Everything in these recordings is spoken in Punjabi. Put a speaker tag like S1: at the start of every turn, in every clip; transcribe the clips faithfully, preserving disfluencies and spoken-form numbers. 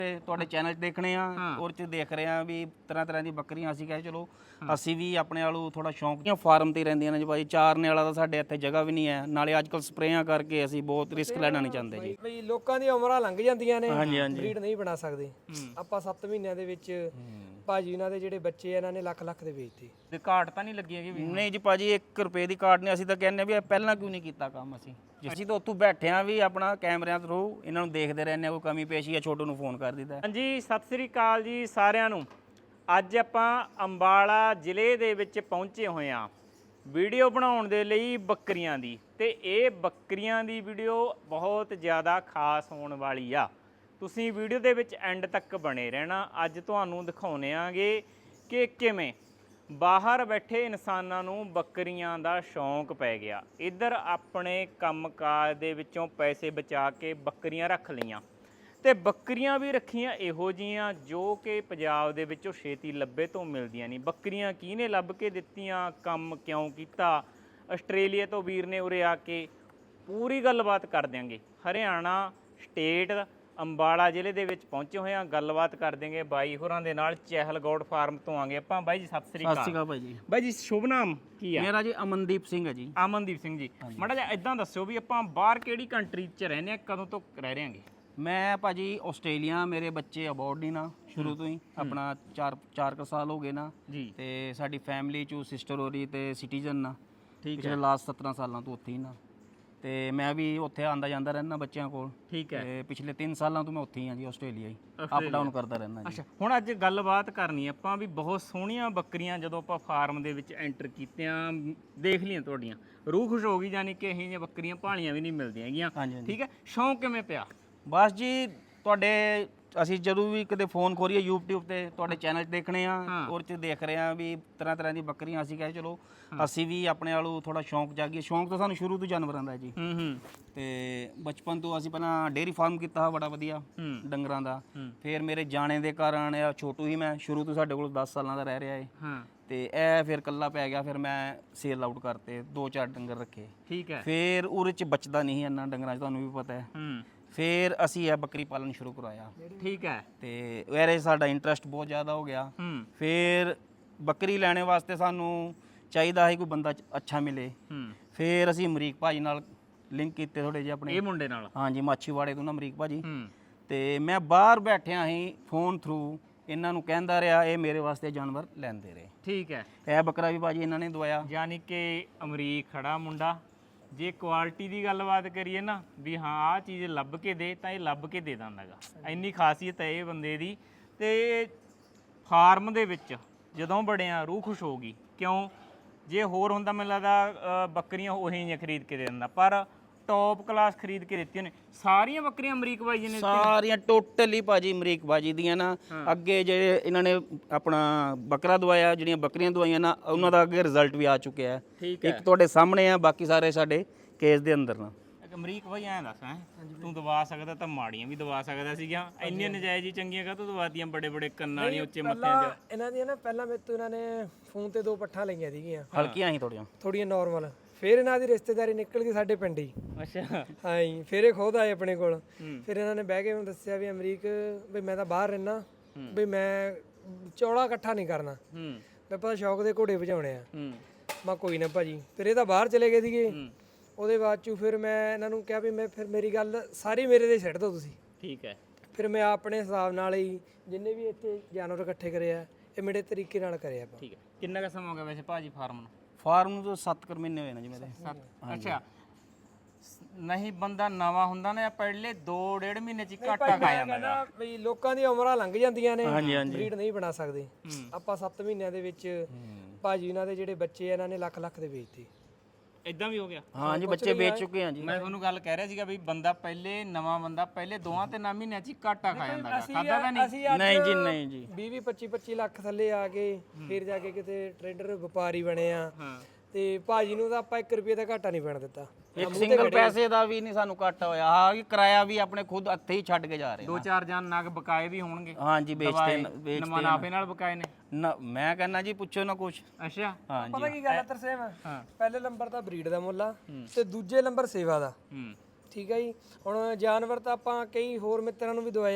S1: ਤੁਹਾਡੇ ਚੈਨਲ 'ਚ ਦੇਖਣੇ ਆ ਔਰ 'ਚ ਦੇਖ ਰਹੇ ਆ ਵੀ ਤਰ੍ਹਾਂ ਤਰ੍ਹਾਂ ਦੀ ਬੱਕਰੀਆਂ। ਅਸੀਂ ਕਹੇ ਚਲੋ ਅਸੀਂ ਵੀ ਆਪਣੇ ਵਾਲੂ ਥੋੜਾ ਸ਼ੌਂਕ ਦੀਆਂ ਫਾਰਮ ਤੇ ਰਹਿੰਦੀਆਂ ਨੇ ਜੀ ਭਾਈ। ਚਾਰਨੇ ਵਾਲਾ ਤਾਂ ਸਾਡੇ ਇੱਥੇ ਜਗ੍ਹਾ ਵੀ ਨਹੀਂ ਹੈ, ਨਾਲੇ ਅੱਜ ਕੱਲ ਸਪਰੇਆਂ ਕਰਕੇ ਅਸੀਂ ਬਹੁਤ ਰਿਸਕ ਲੈਣਾ ਨਹੀਂ ਚਾਹੁੰਦੇ ਜੀ।
S2: ਬਈ ਲੋਕਾਂ ਦੀਆਂ ਉਮਰਾਂ ਲੰਘ ਜਾਂਦੀਆਂ ਨੇ,
S1: ਹਾਂਜੀ ਹਾਂਜੀ
S2: ਬਰੀਡ ਨਹੀਂ ਬਣਾ ਸਕਦੇ ਆਪਾਂ। ਸੱਤ ਮਹੀਨਿਆਂ ਦੇ ਵਿੱਚ ਭਾਜੀ ਉਹਨਾਂ ਦੇ ਜਿਹੜੇ ਬੱਚੇ ਇਹਨਾਂ ਨੇ ਲੱਖ ਲੱਖ ਦੇ ਵੇਚਤੇ।
S3: ਤੇ ਘਾਟ ਤਾਂ ਨਹੀਂ ਲੱਗੀ ਹੈਗੀ ਵੀ?
S1: ਨਹੀਂ ਜੀ ਭਾਜੀ, ਇੱਕ ਰੁਪਏ ਦੀ ਕਾਟ ਨਹੀਂ। ਅਸੀਂ ਤਾਂ ਕਹਿੰਦੇ ਵੀ ਪਹਿਲਾਂ ਕਿਉਂ ਨਹੀਂ ਕੀਤਾ ਕੰਮ। ਅਸੀਂ ਅਸੀਂ ਤਾਂ ਉੱਥੋਂ ਬੈਠੇ ਆ ਵੀ ਆਪਣਾ ਕੈਮਰਿਆਂ ਥਰੂ ਇਹਨਾਂ ਨੂੰ ਦੇਖਦੇ ਰਹਿੰਦੇ ਆ, ਕੋਈ ਕਮੀ ਪੇਸ਼ੀ ਆ ਛੋਟੂ ਨੂੰ ਫੋਨ ਕਰ ਦਿੱਤਾ।
S3: ਹਾਂਜੀ, ਸਤਿ ਸ੍ਰੀ ਅਕਾਲ ਜੀ ਸਾਰਿਆਂ ਨੂੰ। ਅੱਜ ਆਪਾਂ ਅੰਬਾਲਾ ਜ਼ਿਲ੍ਹੇ ਦੇ ਵਿੱਚ ਪਹੁੰਚੇ ਹੋਏ ਆ ਵੀਡੀਓ ਬਣਾਉਣ ਦੇ ਲਈ ਬੱਕਰੀਆਂ ਦੀ। ਤੇ ਇਹ ਬੱਕਰੀਆਂ ਦੀ ਵੀਡੀਓ ਬਹੁਤ ਜ਼ਿਆਦਾ ਖਾਸ ਹੋਣ ਵਾਲੀ ਆ। ਤੁਸੀਂ ਵੀਡੀਓ ਦੇ ਵਿੱਚ ਐਂਡ ਤੱਕ ਬਣੇ ਰਹਿਣਾ। ਅੱਜ ਤੁਹਾਨੂੰ ਦਿਖਾਉਣੇ ਆਂਗੇ ਕਿ ਕਿਵੇਂ ਬਾਹਰ ਬੈਠੇ ਇਨਸਾਨਾਂ ਨੂੰ ਬੱਕਰੀਆਂ ਦਾ ਸ਼ੌਂਕ ਪੈ ਗਿਆ। ਇੱਧਰ ਆਪਣੇ ਕੰਮਕਾਜ ਦੇ ਵਿੱਚੋਂ ਪੈਸੇ ਬਚਾ ਕੇ ਬੱਕਰੀਆਂ ਰੱਖ ਲਈਆਂ, ਤੇ ਬੱਕਰੀਆਂ ਵੀ ਰੱਖੀਆਂ ਇਹੋ ਜਿਹੀਆਂ ਜੋ ਕਿ ਪੰਜਾਬ ਦੇ ਵਿੱਚੋਂ ਛੇਤੀ ਲੱਭੇ ਤੋਂ ਮਿਲਦੀਆਂ ਨਹੀਂ। ਬੱਕਰੀਆਂ ਕਿਹਨੇ ਲੱਭ ਕੇ ਦਿੱਤੀਆਂ, ਕੰਮ ਕਿਉਂ ਕੀਤਾ, ਆਸਟ੍ਰੇਲੀਆ ਤੋਂ ਵੀਰ ਨੇ ਉਰੇ ਆ ਕੇ ਪੂਰੀ ਗੱਲਬਾਤ ਕਰ ਦਿਆਂਗੇ। ਹਰਿਆਣਾ ਸਟੇਟ ਅੰਬਾਲਾ ਜ਼ਿਲ੍ਹੇ ਦੇ ਵਿੱਚ ਪਹੁੰਚੇ ਹੋਏ ਆ, ਗੱਲਬਾਤ ਕਰ ਦੇਂਗੇ ਬਾਈ ਹੋਰਾਂ ਦੇ ਨਾਲ। ਚਹਿਲਗੌੜ ਫਾਰਮ ਤੋਂ ਆਂਗੇ ਆਪਾਂ। ਬਾਈ ਜੀ ਸਤਿ ਸ੍ਰੀ ਅਕਾਲ।
S1: ਸਤਿ ਸ਼੍ਰੀ ਅਕਾਲ ਭਾਈ ਜੀ।
S3: ਬਾਈ ਜੀ ਸ਼ੁਭ ਨਾਮ ਕੀ ਆ?
S1: ਮੇਰਾ ਜੀ ਅਮਨਦੀਪ ਸਿੰਘ ਹੈ ਜੀ।
S3: ਅਮਨਦੀਪ ਸਿੰਘ ਜੀ, ਮਾੜਾ ਜਿਹਾ ਇਦਾਂ ਦੱਸਿਓ ਵੀ ਆਪਾਂ ਬਾਹਰ ਕਿਹੜੀ ਕੰਟਰੀ 'ਚ ਰਹਿੰਦੇ ਆ, ਕਦੋਂ ਤੋਂ ਰਹਿ ਰਹੇ ਆਂਗੇ?
S1: ਮੈਂ ਭਾਜੀ ਆਸਟ੍ਰੇਲੀਆ, ਮੇਰੇ ਬੱਚੇ ਅਬੋਰਡ ਨਹੀਂ ਨਾ ਸ਼ੁਰੂ ਤੋਂ ਹੀ, ਆਪਣਾ ਚਾਰ ਚਾਰ ਕੁ ਸਾਲ ਹੋ ਗਏ ਨਾ
S3: ਜੀ।
S1: ਤੇ ਸਾਡੀ ਫੈਮਿਲੀ ਚੋਂ ਸਿਸਟਰ ਹੋਰੀ ਤੇ ਸਿਟੀਜ਼ਨ ਨਾ
S3: ਠੀਕ
S1: ਹੈ, ਲਾਸਟ ਸਤਾਰਾਂ ਸਾਲਾਂ ਤੋਂ ਉੱਥੇ ਹੀ ਨਾ। ਤੇ ਮੈਂ ਵੀ ਉੱਥੇ ਆਂਦਾ ਜਾਂਦਾ ਰਹਿਣਾ ਬੱਚਿਆਂ ਕੋਲ।
S3: ਠੀਕ ਹੈ।
S1: ਤੇ ਪਿਛਲੇ ਤਿੰਨ ਸਾਲਾਂ ਤੋਂ ਮੈਂ ਉੱਥੇ ਹੀ ਹਾਂ ਜੀ, ਆਸਟ੍ਰੇਲੀਆ ਹੀ ਅਪ ਡਾਊਨ ਕਰਦਾ ਰਹਿਣਾ ਜੀ।
S3: ਅੱਛਾ, ਹੁਣ ਅੱਜ ਗੱਲਬਾਤ ਕਰਨੀ ਆਪਾਂ ਵੀ ਬਹੁਤ ਸੋਹਣੀਆਂ ਬੱਕਰੀਆਂ ਜਦੋਂ ਆਪਾਂ ਫਾਰਮ ਦੇ ਵਿੱਚ ਐਂਟਰ ਕੀਤੀਆਂ, ਦੇਖ ਲਈਆਂ ਤੁਹਾਡੀਆਂ, ਰੂਹ ਖੁਸ਼ ਹੋ ਗਈ। ਜਾਨੀ ਕਿ ਇਹੋ ਜਿਹੀਆਂ ਬੱਕਰੀਆਂ ਭਾਲੀਆਂ ਵੀ ਨਹੀਂ ਮਿਲਦੀਆਂ ਹੈਗੀਆਂ। ਠੀਕ ਹੈ, ਸ਼ੌਂਕ ਕਿਵੇਂ ਪਿਆ?
S1: ਬਸ ਜੀ, ਤੁਹਾਡੇ ਅਸੀਂ ਜਦੋਂ ਵੀ ਕਿਤੇ ਫੋਨ ਖੋਰੀਏ YouTube ਤੇ ਤੁਹਾਡੇ ਚੈਨਲ 'ਚ ਦੇਖਣੇ ਆ ਔਰ 'ਚ ਦੇਖ ਰਹੇ ਆ ਵੀ ਤਰ੍ਹਾਂ ਤਰ੍ਹਾਂ ਦੀ ਬੱਕਰੀਆਂ। ਅਸੀਂ ਕਹੇ ਚਲੋ ਅਸੀਂ ਵੀ ਆਪਣੇ ਵਾਲੂ ਥੋੜਾ ਸ਼ੌਂਕ ਜਾਗੀਏ। ਸ਼ੌਂਕ ਤਾਂ ਸਾਨੂੰ ਸ਼ੁਰੂ ਤੋਂ ਜਾਨਵਰਾਂ ਦਾ ਜੀ।
S3: ਹੂੰ ਹੂੰ
S1: ਤੇ ਬਚਪਨ ਤੋਂ ਅਸੀਂ ਪਹਿਲਾਂ ਡੇਅਰੀ ਫਾਰਮ ਕੀਤਾ ਬੜਾ ਵਧੀਆ ਡੰਗਰਾਂ ਦਾ। ਫਿਰ ਮੇਰੇ ਜਾਣੇ ਦੇ ਕਾਰਨ ਇਹ ਛੋਟੂ ਹੀ ਮੈਂ ਸ਼ੁਰੂ ਤੋਂ ਸਾਡੇ ਕੋਲ ਦਸ ਸਾਲਾਂ ਦਾ ਰਹਿ ਰਿਹਾ ਏ।
S3: ਹਾਂ।
S1: ਤੇ ਇਹ ਫਿਰ ਕੱਲਾ ਪੈ ਗਿਆ, ਫਿਰ ਮੈਂ ਸੇਲ ਆਊਟ ਕਰਤੇ, ਦੋ ਚਾਰ ਡੰਗਰ ਰੱਖੇ।
S3: ਠੀਕ ਹੈ।
S1: ਫਿਰ ਉਹਦੇ 'ਚ ਬਚਦਾ ਨਹੀਂ ਇੰਨਾ ਡੰਗਰਾਂ 'ਚ, ਤੁਹਾਨੂੰ ਵੀ ਪਤਾ ਹੈ।
S3: ਹੂੰ।
S1: ਫਿਰ ਅਸੀਂ ਇਹ ਬੱਕਰੀ ਪਾਲਣ ਸ਼ੁਰੂ ਕਰਾਇਆ।
S3: ਠੀਕ ਹੈ।
S1: ਤੇ ਇਹਦੇ ਸਾਡਾ ਇੰਟਰਸਟ ਬਹੁਤ ਜ਼ਿਆਦਾ ਹੋ ਗਿਆ।
S3: ਹੂੰ।
S1: ਫਿਰ ਬੱਕਰੀ ਲੈਣੇ ਵਾਸਤੇ ਸਾਨੂੰ ਚਾਹੀਦਾ ਹੈ ਕੋਈ ਬੰਦਾ ਅੱਛਾ ਮਿਲੇ।
S3: ਹੂੰ।
S1: ਫਿਰ ਅਸੀਂ ਅਮਰੀਕ ਭਾਜੀ ਨਾਲ ਲਿੰਕ ਕੀਤੇ ਥੋੜੇ ਜਿਹੇ ਆਪਣੇ।
S3: ਇਹ ਮੁੰਡੇ ਨਾਲ?
S1: ਹਾਂਜੀ, ਮਾਛੀਵਾੜੇ ਤੋਂ ਨਾ ਅਮਰੀਕ ਭਾਜੀ।
S3: ਹੂੰ।
S1: ਤੇ ਮੈਂ ਬਾਹਰ ਬੈਠਿਆ ਹੀ ਫੋਨ ਥਰੂ ਇਹਨਾਂ ਨੂੰ ਕਹਿੰਦਾ ਰਿਹਾ, ਇਹ ਮੇਰੇ ਵਾਸਤੇ ਜਾਨਵਰ ਲੈਂਦੇ ਰਹੇ।
S3: ਠੀਕ ਹੈ।
S1: ਇਹ ਬੱਕਰਾ ਵੀ ਭਾਜੀ ਇਹਨਾਂ ਨੇ ਦਵਾਇਆ।
S3: ਯਾਨੀ ਕਿ ਅਮਰੀਕ ਖੜਾ ਮੁੰਡਾ, ਜੇ ਕੁਆਲਿਟੀ ਦੀ ਗੱਲਬਾਤ ਕਰੀਏ ਨਾ ਵੀ ਹਾਂ ਆਹ ਚੀਜ਼ ਲੱਭ ਕੇ ਦੇ, ਤਾਂ ਇਹ ਲੱਭ ਕੇ ਦੇ ਦਿੰਦਾ ਗਾ। ਇੰਨੀ ਖਾਸੀਅਤ ਹੈ ਇਹ ਬੰਦੇ ਦੀ। ਤੇ ਫਾਰਮ ਦੇ ਵਿੱਚ ਜਦੋਂ ਬੜਿਆ ਰੂਹ ਖੁਸ਼ ਹੋ ਗਈ। ਕਿਉਂ? ਜੇ ਹੋਰ ਹੁੰਦਾ ਮੈਨੂੰ ਲੱਗਦਾ ਬੱਕਰੀਆਂ ਉਹੀ ਜਿਹੀਆਂ ਖਰੀਦ ਕੇ ਦੇ ਦਿੰਦਾ, ਪਰ ਟੌਪ ਕਲਾਸ ਖਰੀਦ ਕੇ ਦਿੱਤੀਆਂ ਨੇ ਸਾਰੀਆਂ ਬੱਕਰੀਆਂ ਅਮਰੀਕ ਬਾਈ ਜੀ ਨੇ।
S1: ਸਾਰੀਆਂ ਟੋਟਲੀ ਭਾਜੀ ਅਮਰੀਕ ਬਾਜੀ ਦੀਆਂ ਨਾ। ਅੱਗੇ ਜਿਹੜੇ ਇਹਨਾਂ ਨੇ ਆਪਣਾ ਬੱਕਰਾ ਦਵਾਇਆ, ਜਿਹੜੀਆਂ ਬੱਕਰੀਆਂ ਦਵਾਈਆਂ ਨਾ, ਉਹਨਾਂ ਦਾ ਅੱਗੇ ਰਿਜ਼ਲਟ ਵੀ ਆ ਚੁੱਕਿਆ ਹੈ। ਇੱਕ ਤੁਹਾਡੇ ਸਾਹਮਣੇ ਆ, ਬਾਕੀ ਸਾਰੇ ਸਾਡੇ ਕੇਸ ਦੇ ਅੰਦਰ ਨਾ।
S3: ਅਮਰੀਕ ਬਾਈ ਐਂ ਦੱਸ, ਹੈ ਤੂੰ ਦਵਾ ਸਕਦਾ ਤਾਂ ਮਾੜੀਆਂ ਵੀ ਦਵਾ ਸਕਦਾ ਸੀਗਾ। ਇੰਨੀਆਂ ਨਜਾਇਜ਼ ਹੀ ਚੰਗੀਆਂ ਕਾ ਤੂੰ ਦਵਾਤੀਆਂ? ਬੜੇ ਬੜੇ ਕੰਨਾਂ ਵਾਲੀਆਂ, ਉੱਚੇ ਮੱਥਿਆਂ 'ਚ।
S2: ਇਹਨਾਂ ਦੀਆਂ ਨਾ ਪਹਿਲਾਂ ਮੇਰੇ ਤੋਂ ਇਹਨਾਂ ਨੇ ਫੋਨ ਤੇ ਦੋ ਪੱਠਾਂ ਲਈਆਂ ਸੀਗੀਆਂ,
S1: ਹਲਕੀਆਂ ਹੀ ਥੋੜੀਆਂ
S2: ਥੋੜੀਆਂ ਨਾਰਮਲ। ਫਿਰ ਇਹਨਾਂ ਦੀ ਰਿਸ਼ਤੇਦਾਰੀ ਨਿਕਲ ਗਈ ਸਾਡੇ ਪਿੰਡ ਹੀ।
S3: ਅੱਛਾ।
S2: ਹਾਂ ਜੀ, ਫਿਰ ਇਹ ਖੁਦ ਆਏ ਆਪਣੇ ਕੋਲ। ਫਿਰ ਇਹਨਾਂ ਨੇ ਬਹਿ ਕੇ ਮੈਨੂੰ ਦੱਸਿਆ ਵੀ ਅਮਰੀਕ ਵੀ ਮੈਂ ਤਾਂ ਬਾਹਰ ਰਹਿਣਾ, ਵੀ ਮੈਂ ਚੌੜਾ ਇਕੱਠਾ ਨਹੀਂ ਕਰਨਾ,
S3: ਹੂੰ।
S2: ਮੈਂ ਪਤਾ ਸ਼ੌਕ ਦੇ ਘੋੜੇ ਭਜਾਉਣੇ ਆ।
S3: ਹੂੰ।
S2: ਮੈਂ ਕੋਈ ਨਾ ਭਾਜੀ। ਫਿਰ ਇਹ ਤਾਂ ਬਾਹਰ ਚਲੇ ਗਏ ਸੀਗੇ। ਉਹਦੇ ਬਾਅਦ ਚੋਂ ਫਿਰ ਮੈਂ ਇਹਨਾਂ ਨੂੰ ਕਿਹਾ ਵੀ ਮੈਂ ਫਿਰ ਮੇਰੀ ਗੱਲ ਸਾਰੀ ਮੇਰੇ ਤੇ ਛੱਡ ਦਿਓ ਤੁਸੀਂ।
S3: ਠੀਕ ਹੈ।
S2: ਫਿਰ ਮੈਂ ਆਪਣੇ ਹਿਸਾਬ ਨਾਲ ਹੀ ਜਿੰਨੇ ਵੀ ਇੱਥੇ ਜਾਨਵਰ ਇਕੱਠੇ ਕਰੇ ਆ, ਇਹ ਮੇਰੇ ਤਰੀਕੇ ਨਾਲ ਕਰੇ ਆਪਾਂ।
S3: ਠੀਕ ਹੈ। ਕਿੰਨਾ ਕੁ ਸਮਾਂ ਹੋ ਗਿਆ ਵੈਸੇ ਭਾਜੀ ਫਾਰਮ ਨੂੰ?
S1: ਫਾਰਮ ਨੂੰ ਤਾਂ ਸੱਤ ਕੁ ਮਹੀਨੇ ਹੋਏ ਨੇ ਜੀ ਮੇਰੇ।
S3: ਅੱਛਾ। ਨਹੀਂ ਬੰਦਾ ਨਵਾਂ ਹੁੰਦਾ ਨਾ, ਪਹਿਲੇ ਦੋ ਡੇਢ ਮਹੀਨੇ ਚ ਹੀ ਘਾਟਾ ਖਾ ਜਾਂਦਾ ਹੈ।
S2: ਬਈ ਲੋਕਾਂ ਦੀਆਂ ਉਮਰਾਂ ਲੰਘ ਜਾਂਦੀਆਂ ਨੇ,
S1: ਹਾਂਜੀ ਹਾਂਜੀ
S2: ਬਰੀਡ ਨਹੀਂ ਬਣਾ ਸਕਦੇ ਆਪਾਂ। ਸੱਤ ਮਹੀਨਿਆਂ ਦੇ ਵਿੱਚ ਭਾਜੀ ਉਹਨਾਂ ਦੇ ਜਿਹੜੇ ਬੱਚੇ ਇਹਨਾਂ ਨੇ ਲੱਖ ਲੱਖ ਦੇ ਵੇਚਤੇ।
S3: ਇਦਾਂ ਵੀ ਹੋ ਗਿਆ?
S1: ਹਾਂ ਜੀ, ਬੱਚੇ ਵੇਚ ਚੁੱਕੇ ਹਾਂ ਜੀ।
S3: ਮੈਂ ਤੁਹਾਨੂੰ ਗੱਲ ਕਹਿ ਰਿਹਾ ਸੀਗਾ ਵੀ ਬੰਦਾ ਪਹਿਲੇ ਨਵਾਂ ਬੰਦਾ ਪਹਿਲੇ ਦੋਹਾਂ ਤੇ ਨਾ ਮਹੀਨਿਆਂ ਚ ਹੀ ਘਾਟਾ ਖਾ ਜਾਂਦਾ ਹੈ। ਖਾਦਾ ਤਾਂ ਨਹੀਂ?
S1: ਨਹੀਂ ਜੀ, ਨਹੀਂ ਜੀ।
S2: ਵੀਹ ਵੀਹ ਪੱਚੀ ਪੱਚੀ ਲੱਖ ਥੱਲੇ ਆ ਕੇ ਫਿਰ ਜਾ ਕੇ ਕਿਤੇ ਟ੍ਰੇਡਰ ਵਪਾਰੀ ਬਣੇ ਆ। ਤੇ ਭਾਜੀ ਨੂੰ ਤਾਂ ਆਪਾਂ ਇੱਕ ਰੁਪਏ ਦਾ ਘਾਟਾ ਨਹੀਂ ਪੈਣ ਦਿੱਤਾ।
S1: ਇੱਕ ਸਿੰਗਲ ਪੈਸੇ ਦਾ ਵੀ ਨਹੀਂ ਸਾਨੂੰ ਘਾਟਾ ਹੋਇਆ। ਹਾਂ, ਕਿ ਕਿਰਾਇਆ ਵੀ ਆਪਣੇ ਖੁਦ ਹੱਥੇ ਹੀ ਛੱਡ ਕੇ ਜਾ ਰਹੇ
S3: ਦੋ ਚਾਰ ਜਾਨ ਨਗ ਬਕਾਏ ਵੀ ਹੋਣਗੇ।
S1: ਹਾਂਜੀ, ਵੇਚਦੇ ਵੇਚਦੇ
S3: ਮੁਨਾਫੇ ਨਾਲ ਬਕਾਏ ਨੇ
S1: ਨਾ। ਮੈਂ ਕਹਿੰਦਾ ਜੀ ਪੁੱਛੋ ਨਾ ਕੁਛ।
S3: ਅੱਛਾ।
S1: ਹਾਂਜੀ।
S2: ਪਤਾ ਕੀ ਗੱਲ ਹੈ ਤਰਸੇਮ, ਪਹਿਲੇ ਨੰਬਰ ਤਾਂ ਬਰੀਡ ਦਾ ਮੁੱਲ ਆ ਤੇ ਦੂਜੇ ਨੰਬਰ ਸੇਵਾ ਦਾ।
S3: ਹੂੰ।
S2: ਠੀਕ ਹੈ ਜੀ। ਹੁਣ ਜਾਨਵਰ ਤਾਂ ਆਪਾਂ ਕਈ ਹੋਰ ਮਿੱਤਰਾਂ ਨੂੰ ਵੀ ਦਵਾਇਆ,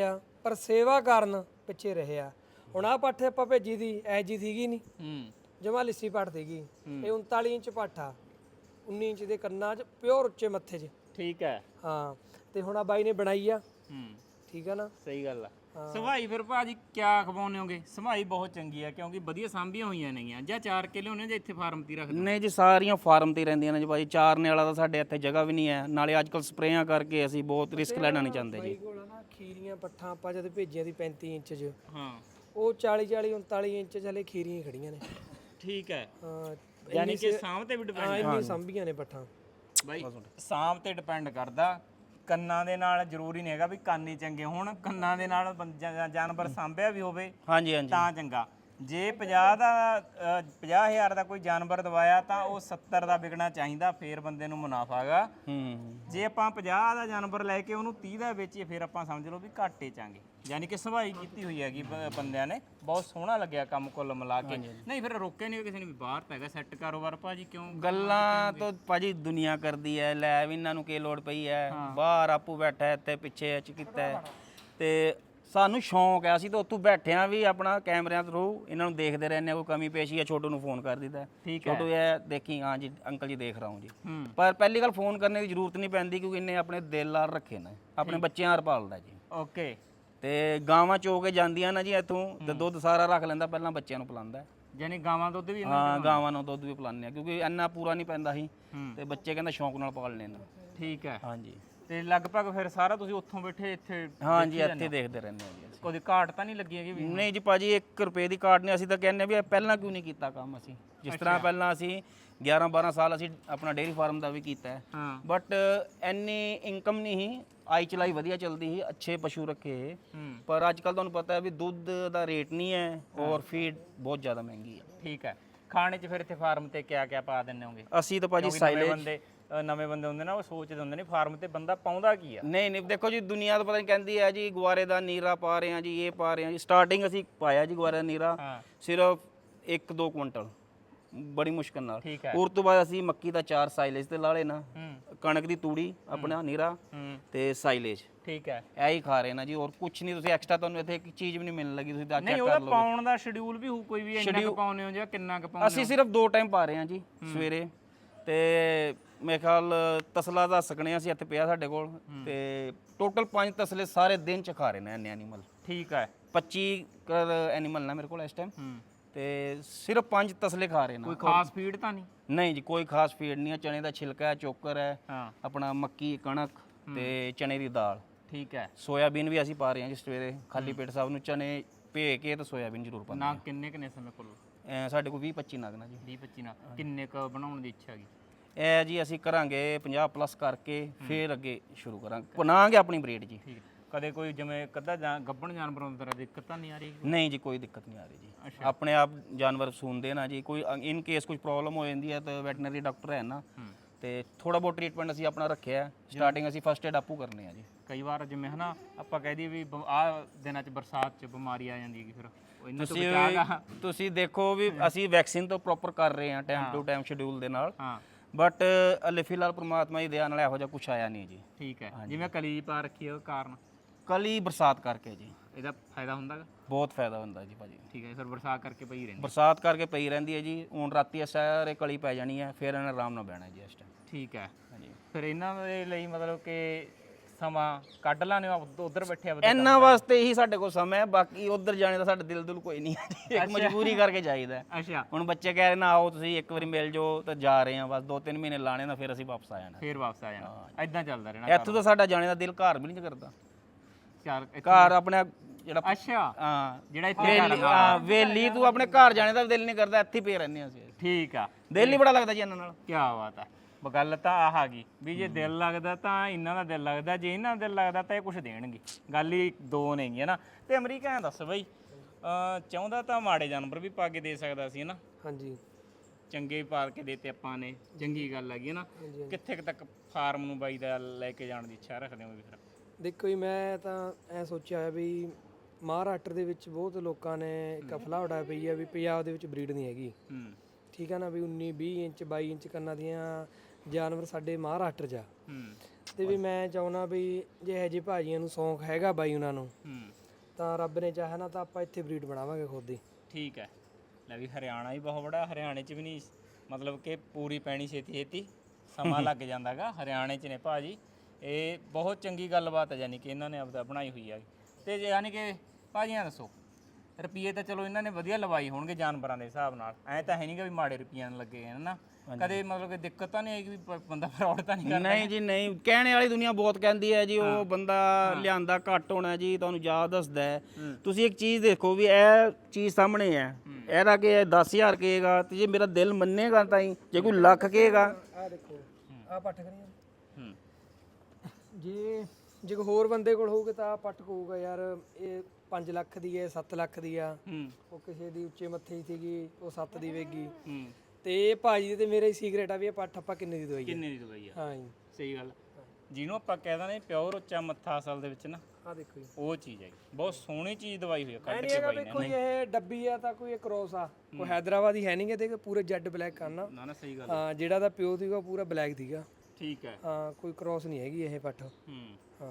S2: ਪਰ ਸੇਵਾ ਕਾਰਨ ਪਿੱਛੇ ਰਹੇ ਆ। ਹੁਣ ਆਹ ਪੱਠ ਆਪਾਂ ਭੇਜੀ ਦੀ ਐ ਜੀ ਸੀਗੀ ਨਹੀਂ,
S3: ਹੂੰ
S2: ਜਮਾ ਲਿੱਸੀ ਪੱਠ ਸੀਗੀ। ਇਹ ਉਨਤਾਲੀ ਇੰਚ ਪੱਠ ਆ, ਉੱਨੀ ਇੰਚ ਦੇ ਕੰਨਾਂ 'ਚ, ਪਿਓਰ ਉੱਚੇ ਮੱਥੇ 'ਚ।
S3: ਠੀਕ ਹੈ।
S2: ਹਾਂ ਤੇ ਹੁਣ ਆ ਬਾਈ ਨੇ ਬਣਾਈ ਆ,
S3: ਹੂੰ
S2: ਠੀਕ ਆ ਨਾ।
S3: ਸਹੀ ਗੱਲ ਆ। ਸਵਾਈ ਫਿਰ ਭਾਜੀ ਕਿਆ ਖਵਾਉਂਦੇ ਹੋਗੇ? ਸਵਾਈ ਬਹੁਤ ਚੰਗੀ ਆ ਕਿਉਂਕਿ ਵਧੀਆ ਸਾਂਭੀਆਂ ਹੋਈਆਂ ਨੇਗੀਆਂ, ਜਾਂ ਚਾਰ ਕੇ ਲਿਆਉਂਦੇ ਜਾਂ ਇੱਥੇ ਫਾਰਮ ਤੇ ਹੀ ਰੱਖਦੇ?
S1: ਨਹੀਂ ਜੀ, ਸਾਰੀਆਂ ਫਾਰਮ ਤੇ ਹੀ ਰਹਿੰਦੀਆਂ ਨੇ ਜੀ ਭਾਜੀ। ਚਾਰਨੇ ਵਾਲਾ ਤਾਂ ਸਾਡੇ ਇੱਥੇ ਜਗ੍ਹਾ ਵੀ ਨਹੀਂ ਹੈ, ਨਾਲੇ ਅੱਜ ਕੱਲ ਸਪਰੇਆਂ ਕਰਕੇ ਅਸੀਂ ਬਹੁਤ ਰਿਸਕ ਲੈਣਾ ਨਹੀਂ ਚਾਹੁੰਦੇ ਜੀ।
S2: ਬਾਈ ਕੋਲ ਆ ਨਾ ਖੀਰੀਆਂ ਪੱਠਾਂ ਆਪਾਂ ਜਦ ਭੇਜੀਆਂ ਦੀ ਪੈਂਤੀ ਇੰਚ 'ਚ,
S3: ਹਾਂ
S2: ਉਹ ਚਾਲੀ ਚਾਲੀ ਉਨਤਾਲੀ ਇੰਚ 'ਚ ਹਲੇ ਖੀਰੀਆਂ ਖੜੀਆਂ ਨੇ।
S3: ਠੀਕ ਹੈ।
S2: ਹਾਂ
S3: ਯਾਨੀ ਕਿ ਸਾਂਭ ਤੇ ਵੀ ਡਿਪੈਂਡ
S2: ਹਾਂ ਇੰਨੀ ਸੰਭੀਆਂ ਨੇ ਪੱਠਾਂ
S3: ਬਾਈ। ਸਾਂਭ ਤੇ ਡਿਪੈਂਡ ਕਰਦਾ। ਕੰਨਾਂ ਦੇ ਨਾਲ ਜ਼ਰੂਰੀ ਨਹੀਂ ਹੈਗਾ ਵੀ ਕੰਨ ਹੀ ਚੰਗੇ ਹੋਣ, ਕੰਨਾਂ ਦੇ ਨਾਲ ਬੰ- ਜਾਂ- ਜਾਨਵਰ ਸਾਂਭਿਆ ਵੀ ਹੋਵੇ
S1: ਹਾਂਜੀ ਹਾਂਜੀ
S3: ਤਾਂ ਚੰਗਾ। ਜੇ ਪੰਜਾਹ ਦਾ ਅ, ਪੰਜਾਹ ਹਜ਼ਾਰ ਦਾ ਕੋਈ ਜਾਨਵਰ ਦਵਾਇਆ ਤਾਂ ਉਹ ਸੱਤਰ ਦਾ ਵਿਕਣਾ ਚਾਹੀਦਾ, ਫੇਰ ਬੰਦੇ ਨੂੰ ਮੁਨਾਫਾ ਹੈਗਾ।
S1: ਹੂੰ
S3: ਜੇ ਆਪਾਂ ਪੰਜਾਹ ਦਾ ਜਾਨਵਰ ਲੈ ਕੇ ਉਹਨੂੰ ਤੀਹ ਦਾ ਵੇਚੀਏ ਫਿਰ ਆਪਾਂ ਸਮਝ ਲਓ ਵੀ ਘਾਟੇ ਚਾਂਗੇ। ਯਾਨੀ ਕਿ ਸਵਾਈ ਕੀਤੀ ਹੋਈ ਹੈਗੀ ਬ- ਬੰਦਿਆਂ ਨੇ, ਬਹੁਤ ਸੋਹਣਾ ਲੱਗਿਆ ਕੰਮ ਕੁੱਲ ਮਿਲਾ ਕੇ। ਨਹੀਂ ਫਿਰ ਰੋਕਿਆ ਨਹੀਂ ਕਿਸੇ ਨੇ ਵੀ ਬਾਹਰ ਤਾਂ ਹੈਗਾ ਸੈੱਟ ਕਾਰੋਬਾਰ ਭਾਜੀ ਕਿਉਂ?
S1: ਗੱਲਾਂ ਤਾਂ ਭਾਜੀ ਦੁਨੀਆ ਕਰਦੀ ਹੈ, ਲੈ ਵੀ ਇਹਨਾਂ ਨੂੰ ਕੀ ਲੋੜ ਪਈ ਹੈ, ਬਾਹਰ ਆਪੂ ਬੈਠਾ ਇੱਥੇ ਪਿੱਛੇ ਚ ਕੀਤਾ ਹੈ। ਤੇ ਸਾਨੂੰ ਸ਼ੌਂਕ ਹੈ, ਅਸੀਂ ਤਾਂ ਉੱਥੋਂ ਬੈਠਿਆਂ ਵੀ ਆਪਣਾ ਕੈਮਰਿਆਂ ਥਰੂ ਇਹਨਾਂ ਨੂੰ ਦੇਖਦੇ ਰਹਿੰਦੇ ਹਾਂ। ਕੋਈ ਕਮੀ ਪੇਸ਼ੀ ਹੈ ਛੋਟੂ ਨੂੰ ਫੋਨ ਕਰ ਦਿੱਤਾ, ਛੋਟੂ ਇਹ ਦੇਖੀ, ਹਾਂ ਜੀ ਅੰਕਲ ਜੀ ਦੇਖ ਰਹਾ ਹੂੰ ਜੀ। ਪਰ ਪਹਿਲੀ ਗੱਲ ਫੋਨ ਕਰਨੇ ਦੀ ਜ਼ਰੂਰਤ ਨਹੀਂ ਪੈਂਦੀ ਕਿਉਂਕਿ ਇਹਨੇ ਆਪਣੇ ਦਿਲ ਨਾਲ ਰੱਖੇ ਨੇ, ਆਪਣੇ ਬੱਚਿਆਂ ਨਾਲ ਪਾਲਦਾ ਜੀ।
S3: ਓਕੇ।
S1: ਤੇ ਗਾਵਾਂ ਚੋ ਕੇ ਜਾਂਦੀਆਂ ਨਾ ਜੀ ਇੱਥੋਂ, ਤੇ ਦੁੱਧ ਸਾਰਾ ਰੱਖ ਲੈਂਦਾ, ਪਹਿਲਾਂ ਬੱਚਿਆਂ ਨੂੰ ਪਿਲਾਉਂਦਾ।
S3: ਯਾਨੀ ਗਾਵਾਂ ਦੁੱਧ ਵੀ?
S1: ਹਾਂ ਗਾਵਾਂ ਨੂੰ ਦੁੱਧ ਵੀ ਪਿਲਾਉਂਦੇ ਆ ਕਿਉਂਕਿ ਇੰਨਾ ਪੂਰਾ ਨਹੀਂ ਪੈਂਦਾ ਸੀ, ਤੇ ਬੱਚੇ ਕਹਿੰਦਾ ਸ਼ੌਂਕ ਨਾਲ ਪਾਲਣੇ ਨੇ।
S3: ਠੀਕ ਹੈ।
S1: ਹਾਂਜੀ
S3: ਤੇ ਲਗਭਗ ਫਿਰ ਸਾਰਾ ਤੁਸੀਂ ਉੱਥੋਂ ਬੈਠੇ ਇੱਥੇ?
S1: ਹਾਂਜੀ ਇੱਥੇ ਦੇਖਦੇ ਰਹਿੰਦੇ ਹਾਂ ਜੀ ਅਸੀਂ।
S3: ਕੋਈ ਘਾਟ ਤਾਂ ਨਹੀਂ ਲੱਗੀ ਹੈਗੀ ਵੀ?
S1: ਨਹੀਂ ਜੀ ਭਾਜੀ, ਇੱਕ ਰੁਪਏ ਦੀ ਕਾਟ ਨਹੀਂ। ਅਸੀਂ ਤਾਂ ਕਹਿੰਦੇ ਵੀ ਇਹ ਪਹਿਲਾਂ ਕਿਉਂ ਨਹੀਂ ਕੀਤਾ ਕੰਮ ਅਸੀਂ, ਜਿਸ ਤਰ੍ਹਾਂ ਪਹਿਲਾਂ ਅਸੀਂ ਗਿਆਰਾਂ ਬਾਰਾਂ ਸਾਲ ਅਸੀਂ ਆਪਣਾ ਡੇਅਰੀ ਫਾਰਮ ਦਾ ਵੀ ਕੀਤਾ ਹੈ,
S3: ਹਾਂ।
S1: ਬਟ ਇੰਨੀ ਇਨਕਮ ਨਹੀਂ ਸੀ, ਆਈ ਚਲਾਈ ਵਧੀਆ ਚੱਲਦੀ ਸੀ, ਅੱਛੇ ਪਸ਼ੂ ਰੱਖੇ। ਪਰ ਅੱਜ ਕੱਲ ਤੁਹਾਨੂੰ ਪਤਾ ਹੈ ਵੀ ਦੁੱਧ ਦਾ ਰੇਟ ਨਹੀਂ ਹੈ ਔਰ ਫੀਡ ਬਹੁਤ ਜ਼ਿਆਦਾ ਮਹਿੰਗੀ ਹੈ।
S3: ਠੀਕ ਹੈ। ਖਾਣੇ 'ਚ ਫਿਰ ਇੱਥੇ ਫਾਰਮ ਤੇ ਕਿਆ ਕਿਆ ਪਾ ਦਿੰਦੇ ਹੋਗੇ?
S1: ਅਸੀਂ ਤਾਂ ਭਾਜੀ
S3: ਨਵੇਂ
S1: ਸਾਈਲੇਜ,
S3: ਬੰਦੇ ਅ, ਨਵੇਂ ਬੰਦੇ ਹੁੰਦੇ ਨਾ ਉਹ ਸੋਚਦੇ ਹੁੰਦੇ ਨੇ ਫਾਰਮ ਤੇ ਬੰਦਾ ਪਾਉਂਦਾ ਕੀ ਆ।
S1: ਨਹੀਂ ਨਹੀਂ ਦੇਖੋ ਜੀ, ਦੁਨੀਆ ਤਾਂ ਪਤਾ ਨਹੀਂ ਕਹਿੰਦੀ ਹੈ ਜੀ ਗੁਆਰੇ ਦਾ ਨੀਰਾ ਪਾ ਰਹੇ ਹਾਂ ਜੀ, ਇਹ ਪਾ ਰਹੇ ਹਾਂ ਜੀ। ਸਟਾਰਟਿੰਗ ਅਸੀਂ ਪਾਇਆ ਜੀ ਗੁਆਰੇ ਦਾ ਨੀਰਾ
S3: ਹਾਂ।
S1: ਸਿਰਫ ਇੱਕ ਦੋ ਕੁਇੰਟਲ, ਬੜੀ ਮੁਸ਼ਕਲ ਨਾਲ।
S3: ਠੀਕ ਹੈ।
S1: ਉਸ ਤੋਂ ਬਾਅਦ ਅਸੀਂ ਮੱਕੀ ਦਾ ਚਾਰ ਸਾਈਲੇਜ ਤੇ ਲਾ ਲੈਣਾ,
S3: ਹੂੰ
S1: ਕਣਕ ਦੀ ਤੂੜੀ ਆਪਣਾ ਨੀਰਾ
S3: ਹੂੰ
S1: ਤੇ ਸਾਈਲੇਜ,
S3: ਠੀਕ ਹੈ।
S1: ਇਹ ਹੀ ਖਾ ਰਹੇ ਨਾ ਜੀ। ਔਰ ਕੁਝ ਨਹੀਂ, ਤੁਸੀਂ ਐਕਸਟਰਾ ਤੁਹਾਨੂੰ ਇੱਥੇ ਇੱਕ ਚੀਜ਼ ਵੀ ਨਹੀਂ ਮਿਲਣ ਲੱਗੀ, ਤੁਸੀਂ ਤਾਂ
S3: ਨਹੀਂ
S1: ਚੈੱਕ
S3: ਉਹਦਾ
S1: ਕਰ ਲਓ।
S3: ਪਾਉਣ ਦਾ ਸ਼ਡਿਊਲ ਵੀ ਹੋਊ ਕੋਈ ਵੀ, ਇੰਨਾ ਕੁ ਪਾਉਂਦੇ ਹੋ ਜਾਂ ਕਿੰਨਾ ਕੁ ਪਾਉਂਦੇ?
S1: ਅਸੀਂ ਸਿਰਫ ਦੋ ਟਾਈਮ ਪਾ ਰਹੇ ਹਾਂ ਜੀ, ਸਵੇਰੇ ਤੇ ਮੇਰੇ ਖਿਆਲ ਤਸਲਾ ਦਾ ਸਕਣੇ ਅਸੀਂ ਇੱਥੇ ਪਿਆ ਸਾਡੇ ਕੋਲ, ਤੇ ਟੋਟਲ ਪੰਜ ਤਸਲੇ ਸਾਰੇ ਦਿਨ ਚ ਖਾ ਰਹੇ ਨੇ ਇੰਨੇ ਐਨੀਮਲ।
S3: ਠੀਕ ਹੈ।
S1: ਪੱਚੀ ਕਰ ਐਨੀਮਲ ਨਾ ਮੇਰੇ ਕੋਲ ਇਸ ਟਾਈਮ,
S3: ਹੂੰ
S1: ਤੇ ਸਿਰਫ ਪੰਜ ਤਸਲੇ ਖਾ ਰਹੇ ਨੇ।
S3: ਕੋਈ ਖਾਸ ਫੀਡ ਤਾਂ ਨਹੀਂ?
S1: ਨਹੀਂ ਜੀ, ਕੋਈ ਖਾਸ ਫੀਡ ਨਹੀਂ ਹੈ। ਚਨੇ ਦਾ ਛਿਲਕਾ ਹੈ, ਚੋਕਰ ਹੈ,
S3: ਹਾਂ।
S1: ਆਪਣਾ ਮੱਕੀ ਕਣਕ ਤੇ ਚਨੇ ਦੀ ਦਾਲ।
S3: ਠੀਕ ਹੈ।
S1: ਸੋਇਆਬੀਨ ਵੀ ਅਸੀਂ ਪਾ ਰਹੇ ਹਾਂ ਜੀ ਸਵੇਰੇ, ਖਾਲੀ ਪੇਟ ਸਾਹਿਬ ਨੂੰ ਚਨੇ ਭੇ ਕੇ ਤੇ ਸੋਇਆਬੀਨ ਜ਼ਰੂਰ ਪਾਉਂਦੇ
S3: ਨਾ ਕਿੰਨੇ ਕਿੰਨੇ ਸਮੇਂ ਕੋਲ?
S1: ਹਾਂ। ਸਾਡੇ ਕੋਲ ਵੀਹ ਪੱਚੀ ਨਗ ਨਾ ਜੀ।
S3: ਵੀਹ ਪੱਚੀ ਨਾਲ ਕਿੰਨੇ ਕ ਬਣਾਉਣ ਦੀ ਇੱਛਾ ਹੈਗੀ?
S1: ਇਹ ਜੀ ਅਸੀਂ ਕਰਾਂਗੇ ਪੰਜਾਹ ਪਲੱਸ ਕਰਕੇ ਫੇਰ ਅੱਗੇ ਸ਼ੁਰੂ ਕਰਾਂਗੇ, ਬਣਾਵਾਂਗੇ ਆਪਣੀ ਬਰੀਡ ਜੀ।
S3: ਠੀਕ ਹੈ। ਕਦੇ ਕੋਈ ਜਿਵੇਂ ਕੱਦਾ ਗੱਭਣ ਜਾਨਵਰ ਹੁੰਦਾ ਤਾਂ ਦਿੱਕਤ ਤਾਂ ਨਹੀਂ ਆ ਰਹੀ?
S1: ਨਹੀਂ ਜੀ, ਕੋਈ ਦਿੱਕਤ ਨਹੀਂ ਆ ਰਹੀ ਜੀ। ਆਪਣੇ ਆਪ ਜਾਨਵਰ ਸੂਣਦੇ ਨਾ ਜੀ। ਕੋਈ ਇਨ ਕੇਸ ਕੁਝ ਪ੍ਰੋਬਲਮ ਹੋ ਜਾਂਦੀ ਹੈ ਤਾਂ ਵੈਟਰਨਰੀ ਡਾਕਟਰ ਹੈ ਨਾ, ਤੇ ਥੋੜਾ ਬਹੁਤ ਟ੍ਰੀਟਮੈਂਟ ਅਸੀਂ ਆਪਣਾ ਰੱਖਿਆ। ਸਟਾਰਟਿੰਗ ਅਸੀਂ ਫਸਟ ਏਡ ਆਪੂ ਕਰਨੇ ਆ ਜੀ।
S3: ਕਈ ਵਾਰ ਜਿਵੇਂ ਹਨਾ ਆਪਾਂ ਕਹਿ ਦਈਏ ਵੀ ਆਹ ਦਿਨਾਂ 'ਚ ਬਰਸਾਤ 'ਚ ਬਿਮਾਰੀ ਆ ਜਾਂਦੀ ਹੈਗੀ, ਫਿਰ ਉਹ ਇਹਨਾਂ ਤੋਂ ਬਚਾਗਾ?
S1: ਤੁਸੀਂ ਦੇਖੋ ਵੀ ਅਸੀਂ ਵੈਕਸੀਨ ਤਾਂ ਪ੍ਰੋਪਰ ਕਰ ਰਹੇ ਹਾਂ ਟਾਈਮ ਟੂ ਟਾਈਮ ਸ਼ਡਿਊਲ ਦੇ ਨਾਲ,
S3: ਹਾਂ।
S1: ਬਟ ਹਲੇ ਫਿਲਹਾਲ ਪ੍ਰਮਾਤਮਾ ਦੀ ਦਇਆ ਨਾਲ ਇਹੋ ਜਿਹਾ ਕੁਝ ਆਇਆ ਨਹੀਂ ਜੀ।
S3: ਠੀਕ ਹੈ। ਜਿਵੇਂ ਕਲੀ ਪਾ ਰੱਖੀ ਹੈ ਉਹ ਕਾਰਨ?
S1: ਕਲੀ ਬਰਸਾਤ ਕਰਕੇ ਜੀ।
S3: ਇਹਦਾ ਫਾਇਦਾ ਹੁੰਦਾ ਗਾ?
S1: ਬਹੁਤ ਫਾਇਦਾ ਹੁੰਦਾ ਜੀ ਭਾਜੀ।
S3: ਠੀਕ ਹੈ। ਫਿਰ ਬਰਸਾਤ ਕਰਕੇ ਪਈ ਰਹਿੰਦੀ?
S1: ਬਰਸਾਤ ਕਰਕੇ ਪਈ ਰਹਿੰਦੀ ਹੈ ਜੀ। ਹੁਣ ਰਾਤੀ ਸਾਰੇ ਕਲੀ ਪੈ ਜਾਣੀ ਹੈ, ਫਿਰ ਇਹਨਾਂ ਆਰਾਮ ਨਾਲ ਬਹਿਣਾ ਜੀ ਇਸ ਟਾਈਮ।
S3: ਠੀਕ ਹੈ।
S1: ਹਾਂਜੀ।
S3: ਫਿਰ ਇਹਨਾਂ ਦੇ ਲਈ ਮਤਲਬ ਕਿ ਸਮਾਂ ਕੱਢ ਲਾਣੇ ਉਧਰ ਬੈਠੇ ਆ?
S1: ਇਹਨਾਂ ਵਾਸਤੇ ਹੀ ਸਾਡੇ ਕੋਲ ਸਮਾਂ ਹੈ, ਬਾਕੀ ਉਧਰ ਜਾਣੇ ਦਾ ਸਾਡੇ ਦਿਲ ਦੁਲ ਕੋਈ ਨਹੀਂ ਹੈ ਜੀ। ਇੱਕ ਮਜਬੂਰੀ ਕਰਕੇ ਜਾਈਦਾ।
S3: ਅੱਛਾ।
S1: ਹੁਣ ਬੱਚੇ ਕਹਿ ਰਹੇ ਨਾ ਆਓ ਤੁਸੀਂ ਇੱਕ ਵਾਰੀ ਮਿਲ ਜਾਓ, ਤਾਂ ਜਾ ਰਹੇ ਹਾਂ ਬਸ। ਦੋ ਤਿੰਨ ਮਹੀਨੇ ਲਾਣੇ ਨਾ, ਫਿਰ ਅਸੀਂ ਵਾਪਸ ਆ ਜਾਣਾ।
S3: ਫਿਰ ਵਾਪਸ ਆ ਜਾਣਾ, ਐਦਾਂ ਚੱਲਦਾ ਰਹਿਣਾ?
S1: ਇੱਥੋਂ ਤਾਂ ਸਾਡਾ ਜਾਣੇ ਦਾ ਦਿਲ ਘਰ ਵੀ ਨਹੀਂ ਕਰਦਾ।
S3: ਚਾਰ
S1: ਘਰ ਆਪਣੇ ਜਿਹੜਾ
S3: ਅੱਛਾ,
S1: ਹਾਂ
S3: ਜਿਹੜਾ ਇੱਥੇ
S1: ਵੇਲੀ, ਹਾਂ ਵੇਲੀ, ਤੂੰ ਆਪਣੇ ਘਰ ਜਾਣੇ ਦਾ ਦਿਲ ਨਹੀਂ ਕਰਦਾ, ਇੱਥੇ ਪਏ ਰਹਿੰਦੇ ਹਾਂ ਅਸੀਂ।
S3: ਠੀਕ ਆ।
S1: ਦਿਲ ਹੀ ਬੜਾ ਲੱਗਦਾ ਜੀ ਇਹਨਾਂ ਨਾਲ।
S3: ਕੀ ਬਾਤ ਆ। ਗੱਲ ਤਾਂ ਆਹ ਆ ਗਈ ਵੀ ਜੇ ਦਿਲ ਲੱਗਦਾ ਤਾਂ ਇਹਨਾਂ ਦਾ ਦਿਲ ਲੱਗਦਾ, ਜੇ ਇਹਨਾਂ ਦਾ ਦਿਲ ਲੱਗਦਾ ਤਾਂ ਇਹ ਕੁਝ ਦੇਣਗੇ। ਗੱਲ ਹੀ ਦੋ ਨੇਗੀ ਹੈ ਨਾ। ਤੇ ਅਮਰੀਕਾ ਦੱਸ ਬਈ, ਚਾਹੁੰਦਾ ਤਾਂ ਮਾੜੇ ਜਾਨਵਰ ਵੀ ਪਾ ਕੇ ਦੇ ਸਕਦਾ ਸੀ ਨਾ?
S2: ਹਾਂਜੀ।
S3: ਚੰਗੇ ਪਾ ਕੇ ਦੇਤੇ ਆਪਾਂ ਨੇ, ਚੰਗੀ ਗੱਲ ਹੈਗੀ ਹੈ ਨਾ। ਕਿੱਥੇ ਤੱਕ ਫਾਰਮ ਨੂੰ ਬਾਈ ਦਾ ਲੈ ਕੇ ਜਾਣ ਦੀ ਇੱਛਾ ਰੱਖਦੇ ਹੋ? ਫਿਰ
S2: ਦੇਖੋ ਜੀ, ਮੈਂ ਤਾਂ ਐ ਸੋਚਿਆ ਹੋਇਆ ਵੀ ਮਹਾਰਾਸ਼ਟਰ ਦੇ ਵਿੱਚ ਬਹੁਤ ਲੋਕਾਂ ਨੇ ਇੱਕ ਅਫਵਾਹ ਉਡਾਈ ਪਈ ਹੈ ਵੀ ਪੰਜਾਬ ਦੇ ਵਿੱਚ ਬਰੀਡ ਨਹੀਂ ਹੈਗੀ।
S3: ਹੂੰ।
S2: ਠੀਕ ਹੈ ਨਾ, ਵੀ ਉੱਨੀ ਵੀਹ ਇੰਚ ਬਾਈ ਇੰਚ ਕੰਨਾਂ ਦੀਆਂ ਜਾਨਵਰ ਸਾਡੇ ਮਹਾਰਾਸ਼ਟਰ 'ਚ ਆ।
S3: ਹੂੰ।
S2: ਤੇ ਵੀ ਮੈਂ ਚਾਹੁੰਦਾ ਵੀ ਜੇ ਇਹੋ ਜਿਹੇ ਭਾਜੀਆਂ ਨੂੰ ਸ਼ੌਂਕ ਹੈਗਾ ਬਾਈ ਉਹਨਾਂ ਨੂੰ,
S3: ਹੂੰ,
S2: ਤਾਂ ਰੱਬ ਨੇ ਚਾਹਿਆ ਨਾ ਤਾਂ ਆਪਾਂ ਇੱਥੇ ਬਰੀਡ ਬਣਾਵਾਂਗੇ ਖੁਦ ਹੀ।
S3: ਠੀਕ ਹੈ। ਲੈ ਵੀ ਹਰਿਆਣਾ ਹੀ ਬਹੁਤ ਬੜਾ, ਹਰਿਆਣੇ 'ਚ ਵੀ ਨਹੀਂ ਮਤਲਬ ਕਿ ਪੂਰੀ ਪੈਣੀ ਛੇਤੀ ਛੇਤੀ, ਸਮਾਂ ਲੱਗ ਜਾਂਦਾਗਾ। ਹਰਿਆਣੇ 'ਚ ਨੇ ਭਾਜੀ, ਇਹ ਬਹੁਤ ਚੰਗੀ ਗੱਲਬਾਤ ਹੈ ਯਾਨੀ ਕਿ ਇਹਨਾਂ ਨੇ ਆਪਦਾ ਬਣਾਈ ਹੋਈ ਹੈ। ਤੇ ਯਾਨੀ ਕਿ ਭਾਜੀਆਂ ਦੱਸੋ, ਰੁਪਈਏ ਤਾਂ ਚਲੋ ਇਹਨਾਂ ਨੇ ਵਧੀਆ ਲਵਾਈ ਹੋਣਗੇ ਜਾਨਵਰਾਂ ਦੇ ਹਿਸਾਬ ਨਾਲ, ਐਂ ਤਾਂ ਹੈ ਨਹੀਂ ਕਿ ਵੀ ਮਾੜੇ ਰੁਪਈਆਂ ਨਾਲ ਲੱਗੇ ਹਨ ਨਾ। ਕਦੇ ਮਤਲਬ ਕਿ ਦਿੱਕਤ ਤਾਂ ਨਹੀਂ ਆਈ ਕਿ ਵੀ ਪ- ਬੰਦਾ ਫਰਾਡ ਤਾਂ ਨਹੀਂ ਕਰਦਾ?
S1: ਨਹੀਂ ਜੀ ਨਹੀਂ, ਕਹਿਣੇ ਵਾਲੀ ਦੁਨੀਆ ਬਹੁਤ ਕਹਿੰਦੀ ਹੈ ਜੀ ਉਹ ਬੰਦਾ ਲਿਆਂਦਾ ਘੱਟ ਹੋਣਾ ਜੀ, ਤੁਹਾਨੂੰ ਯਾਦ ਦੱਸਦਾ ਹੈ। ਤੁਸੀਂ ਇੱਕ ਚੀਜ਼ ਦੇਖੋ ਵੀ ਇਹ ਚੀਜ਼ ਸਾਹਮਣੇ ਹੈ, ਇਹਦਾ ਕਿ ਦਸ ਹਜ਼ਾਰ ਕਹੇਗਾ ਤੇ ਜੇ ਮੇਰਾ ਦਿਲ ਮੰਨੇਗਾ ਤਾਂ ਹੀ, ਜੇ ਕੋਈ ਲੱਖ ਕਹੇਗਾ।
S2: ਆਹ ਦੇਖੋ ਆਹ ਪੱਠ ਕਰੀਏ,
S3: ਹੂੰ
S2: ਜੇ ਜੇ ਕੋਈ ਹੋਰ ਬੰਦੇ ਕੋਲ ਹੋਊਗਾ ਤਾਂ ਆਹ ਪੱਠ ਕਹੂਗਾ ਯਾਰ ਇਹ ਪੰਜ ਲੱਖ ਦੀ ਹੈ, ਸੱਤ ਲੱਖ ਦੀ ਆ।
S3: ਹੂੰ
S2: ਉਹ ਕਿਸੇ ਦੀ ਉੱਚੇ ਮੱਥੇ ਦੀ ਸੀਗੀ, ਉਹ ਸੱਤ ਦੀ ਵੇਗੀ।
S3: ਹੂੰ
S2: ਤੇ ਇਹ ਭਾਜੀ ਦੇ ਤੇ ਮੇਰੇ ਸੀਕ੍ਰੇਟ ਆ ਵੀ ਇਹ ਪੱਠ ਆਪਾਂ ਕਿੰਨੇ ਦੀ ਦਵਾਈ ਹੈ।
S3: ਕਿੰਨੇ ਦੀ ਦਵਾਈ ਆ?
S2: ਹਾਂ ਜੀ,
S3: ਸਹੀ ਗੱਲ। ਜਿਹਨੂੰ ਆਪਾਂ ਕਹਿ ਦਿੰਦੇ ਪਿਓਰ ਉੱਚਾ ਮੱਥਾ ਅਸਲ ਦੇ ਵਿੱਚ ਨਾ,
S2: ਆਹ ਦੇਖੋ ਜੀ,
S3: ਉਹ ਚੀਜ਼ ਹੈ। ਬਹੁਤ ਸੋਹਣੀ ਚੀਜ਼ ਦਵਾਈ ਹੋਈ ਆ
S2: ਐ
S3: ਕੱਢ
S2: ਨਹੀਂ
S3: ਕੇ
S2: ਹੈਗਾ
S3: ਬਾਈ
S2: ਵੀ
S3: ਨੇ।
S2: ਕੋਈ ਇਹ ਡੱਬੀ ਆ ਤਾਂ ਕੋਈ ਇਹ ਕ੍ਰੋਸ ਆ, ਕੋਈ ਹੈਦਰਾਬਾਦੀ ਹੈ ਨਹੀਂ ਗੇ, ਤੇ ਪੂਰੇ ਜੈਡ ਬਲੈਕ ਕਰਨਾ।
S3: ਨਾ ਨਾ ਸਹੀ ਗੱਲ।
S2: ਹਾਂ ਜਿਹੜਾ ਦਾ ਪਿਓ ਸੀਗਾ ਉਹ ਪੂਰਾ ਬਲੈਕ ਸੀਗਾ।
S3: ਠੀਕ ਹੈ।
S2: ਹਾਂ ਕੋਈ ਕ੍ਰੋਸ ਨਹੀਂ ਹੈਗੀ ਇਹ ਪੱਠ।
S3: ਹੂੰ
S2: ਹਾਂ